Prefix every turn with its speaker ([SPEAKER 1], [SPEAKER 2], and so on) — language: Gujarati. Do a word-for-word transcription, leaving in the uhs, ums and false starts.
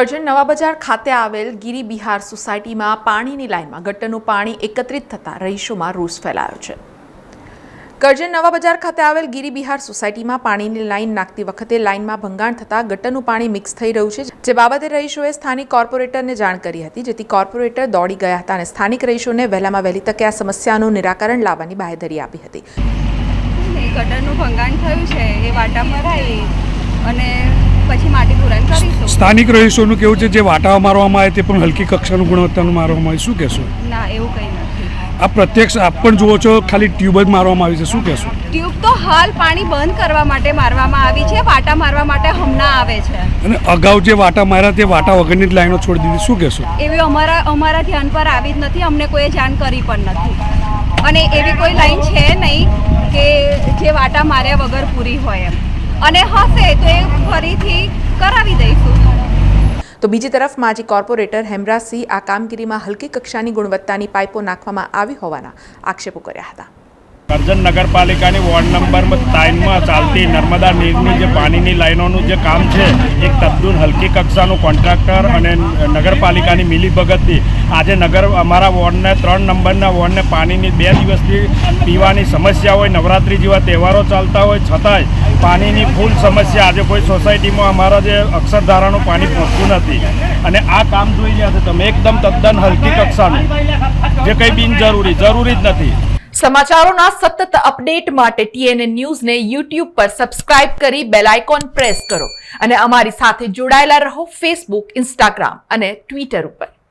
[SPEAKER 1] કરજણ નવા બજાર ખાતે આવેલ ગિરી બિહાર સોસાયટીમાં પાણીની લાઇનમાં ગટરનું પાણી એકત્રિત થતાં રહીશોમાં રોષ ફેલાયો છે। કરજણ નવા બજાર ખાતે આવેલ ગિરી બિહાર સોસાયટીમાં પાણીની લાઇન નાખતી વખતે લાઇનમાં ભંગાણ થતાં ગટરનું પાણી મિક્સ થઈ રહ્યું છે, જે બાબતે રહીશોએ સ્થાનિક કોર્પોરેટરને જાણ કરી હતી, જેથી કોર્પોરેટર દોડી ગયા હતા અને સ્થાનિક રહીશોને વહેલામાં વહેલી તકે આ સમસ્યાનું નિરાકરણ લાવવાની બાંહેધરી આપી હતી।
[SPEAKER 2] ગટરનું ભંગાણ થયું છે એ વાટા મરાઈ અને પછી માટી પૂરણ કરીશું।
[SPEAKER 3] સ્થાનિક રહીશોનું કેવું છે જે વાટાઓ મારવામાં આવે તે પણ હલકી કક્ષાનું ગુણવત્તાનું મારવામાં આવે, શું કહેશો?
[SPEAKER 2] ના, એવું કંઈ નથી।
[SPEAKER 3] આ પ્રત્યક્ષ આપ પણ જુઓ છો, ખાલી ટ્યુબ જ મારવામાં આવી છે, શું કહેશો?
[SPEAKER 2] ટ્યુબ તો હાલ પાણી બંધ કરવા માટે મારવામાં આવી છે, વાટા મારવા માટે હમણાં આવે છે।
[SPEAKER 3] અને અગાઉ જે વાટા માર્યા તે વાટા વગરની જ લાઈનો છોડી દીધી, શું કહેશો?
[SPEAKER 2] એવી અમારા અમારા ધ્યાન પર આવી જ નથી, અમને કોઈએ જાણ કરી પણ નથી અને એવી કોઈ લાઈન છે નહીં કે જે વાટા માર્યા વગર પૂરી હોય એમ, અને હશે તો એ ફરીથી કરાવી દઈશું।
[SPEAKER 1] તો બીજી તરફ માજી કોર્પોરેટર હેમરાજસિંહ આ કામગીરીમાં હલકી કક્ષાની ગુણવત્તાની પાઇપો નાખવામાં આવી હોવાના આક્ષેપો કર્યા હતા।
[SPEAKER 4] કરજણ નગરપાલિકાની વોર્ડ નંબર ત્રણમાં ચાલતી નર્મદા નીરની જે પાણીની લાઈનોનું જે કામ છે, એક તદ્દન હલકી કક્ષાનું કોન્ટ્રાક્ટર અને નગરપાલિકાની મિલીભગતથી આજે નગર અમારા વોર્ડને ત્રણ નંબરના વોર્ડને પાણીની બે દિવસથી પીવાની સમસ્યા હોય, નવરાત્રિ જેવા તહેવારો ચાલતા હોય છતાંય પાણીની ફૂલ સમસ્યા। આજે કોઈ સોસાયટીમાં અમારા જે અક્ષરધારાનું પાણી પહોંચતું નથી અને આ કામ જોઈ રહ્યા છો તમે, એકદમ તદ્દન હલકી કક્ષાનું, જે કંઈ બિનજરૂરી જરૂરી જ નથી।
[SPEAKER 1] સમાચારોના સતત અપડેટ માટે ટીએનએ ન્યૂઝને યુટ્યુબ પર સબસ્ક્રાઇબ કરી બેલ આઇકોન પ્રેસ કરો અને અમારી સાથે જોડાયેલા રહો ફેસબુક, ઇન્સ્ટાગ્રામ અને ટ્વિટર ઉપર।